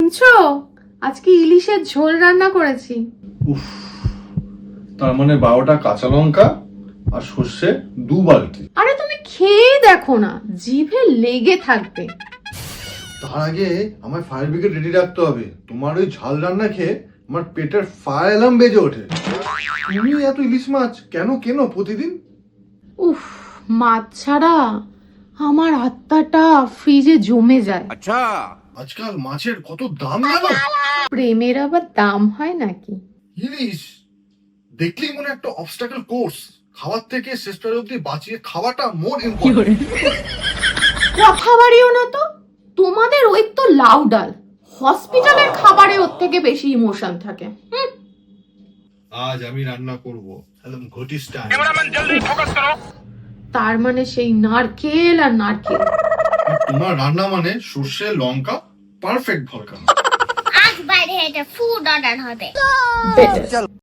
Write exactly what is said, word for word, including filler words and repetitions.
শুনছো? আজকে ইলিশের ঝোল রান্না করেছি। উফ, তার মানে বারোটা কাঁচা লঙ্কা আর সর্ষে দু বালতি। আরে তুমি খেয়ে দেখো না, জিভে লেগে থাকবে। তার আগে আমার ফায়ার ব্রিগেড রেডি রাখতে হবে। তোমার ওই ঝাল রান্না খেয়ে আমার পেটের ফায়ার অ্যালার্ম বেজে ওঠে। তুমি এত ইলিশ মাছ কেন কেন প্রতিদিন? উফ, মাছ ছাড়া আমার আত্মাটা ফ্রিজে জমে যায়। আচ্ছা, আজকাল মাছের কত দাম জানো? প্রেমের আবার দাম হয় নাকি? ইলিশ দেখলেই মনে একটা অবস্টাকল কোর্স। খাওয়ার থেকে শেষ প্রায় অব্দি বাঁচিয়ে খাওয়াটা মোর ইম্পর্টেন্ট। কথা বাড়িও না তো, তোমাদের ওই তো লাউ ডাল, হসপিটালের খাবারে ওর থেকে বেশি ইমোশন থাকে। হুম। আজ আমি রান্না করব একদম ঘটি স্টাইল। তার মানে সেই নারকেল আর নারকেল। তোমার রান্না মানে সর্ষে লঙ্কা পারফেক্ট ভরকা। আজ বাইরে একটা ফুড অর্ডার হবে। Better.